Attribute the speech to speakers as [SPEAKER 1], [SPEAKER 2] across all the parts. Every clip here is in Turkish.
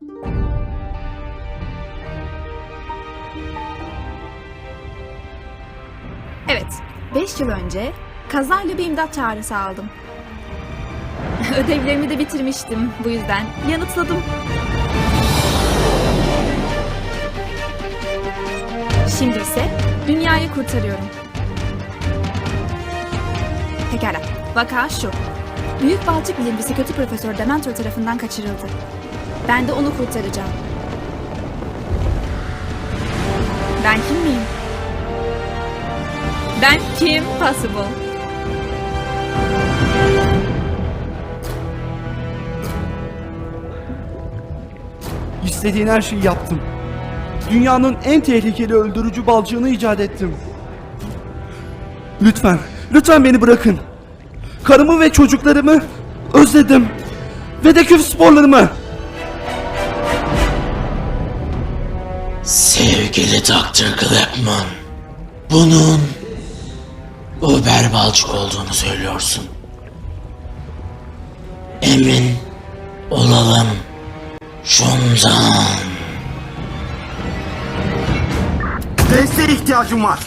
[SPEAKER 1] Evet, 5 yıl önce kazayla bir imdat çağrısı aldım. Ödevlerimi de bitirmiştim, bu yüzden yanıtladım. Şimdi ise dünyayı kurtarıyorum. Pekala, vaka şu. Büyük balçık bilimcisi kötü Profesör Dementor tarafından kaçırıldı. Ben de onu kurtaracağım. Ben kim miyim? Ben Kim Possible.
[SPEAKER 2] İstediğin her şeyi yaptım. Dünyanın en tehlikeli öldürücü balcığını icat ettim. Lütfen, lütfen beni bırakın. Karımı ve çocuklarımı özledim. Ve de küf sporlarımı.
[SPEAKER 3] Sevgili Dr. Clapman, bunun Uber balçık olduğunu söylüyorsun. Emin olalım şundan.
[SPEAKER 2] Desteğe ihtiyacım var.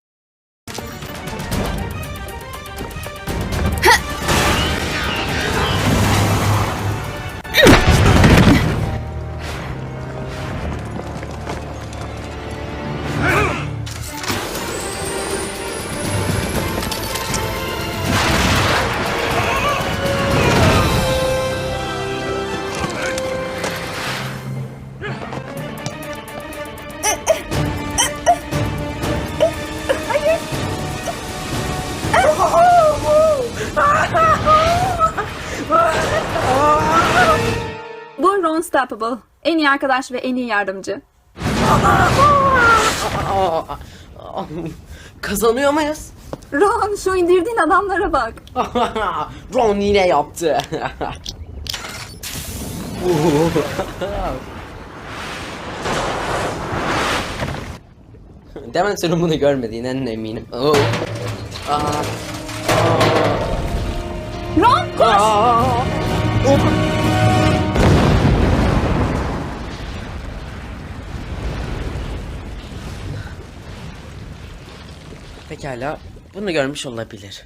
[SPEAKER 1] Bu Ron Stoppable. En iyi arkadaş ve en iyi yardımcı.
[SPEAKER 4] Kazanıyor muyuz?
[SPEAKER 1] Ron, şu indirdiğin adamlara bak.
[SPEAKER 4] Ron yine yaptı. Dementor'un bunu görmediğinden eminim. Oh.
[SPEAKER 1] Ron, koş!
[SPEAKER 4] Pekala, bunu görmüş olabilir.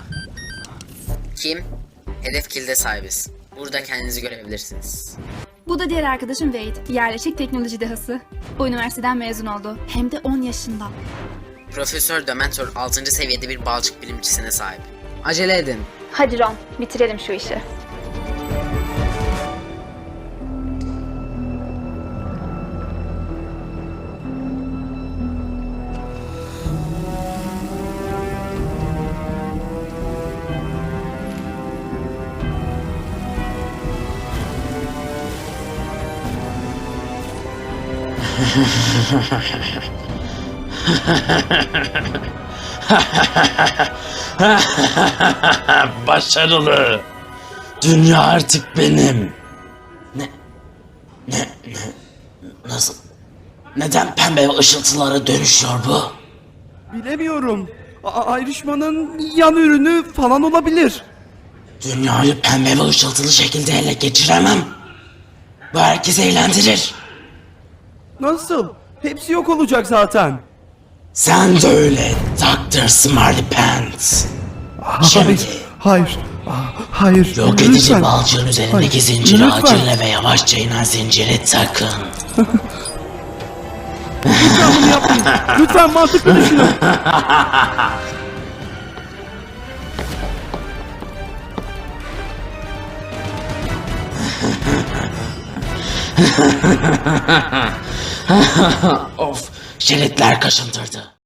[SPEAKER 4] Kim? Hedef kilde sahibiz. Burada kendinizi görebilirsiniz.
[SPEAKER 1] Bu da diğer arkadaşım Wade. Yerleşik teknoloji dehası. O üniversiteden mezun oldu. Hem de 10 yaşında.
[SPEAKER 4] Profesör Dementor 6. seviyede bir balçık bilimcisine sahip. Acele edin.
[SPEAKER 1] Hadi Ron, bitirelim şu işi.
[SPEAKER 3] Başarılı. Dünya artık benim. Nasıl? Neden pembe ışıltılara dönüşüyor bu?
[SPEAKER 2] Bilemiyorum. Ayrışmanın yan ürünü falan olabilir.
[SPEAKER 3] Dünyayı pembe ve ışıltılı şekilde ele geçiremem. Bu herkesi eğlendirir.
[SPEAKER 2] Nasıl? Hepsi yok olacak zaten.
[SPEAKER 3] Sen de öyle Dr. Smarty Pants. Şimdi
[SPEAKER 2] Hayır. Hayır.
[SPEAKER 3] yok edici
[SPEAKER 2] Lütfen.
[SPEAKER 3] balcığın üzerindeki
[SPEAKER 2] Hayır,
[SPEAKER 3] zinciri
[SPEAKER 2] lütfen.
[SPEAKER 3] acele ve yavaşça inen zinciri takın.
[SPEAKER 2] Lütfen bunu yapmayın. Lütfen mantıklı düşünün.
[SPEAKER 3] Of, şeritler kaşındırdı.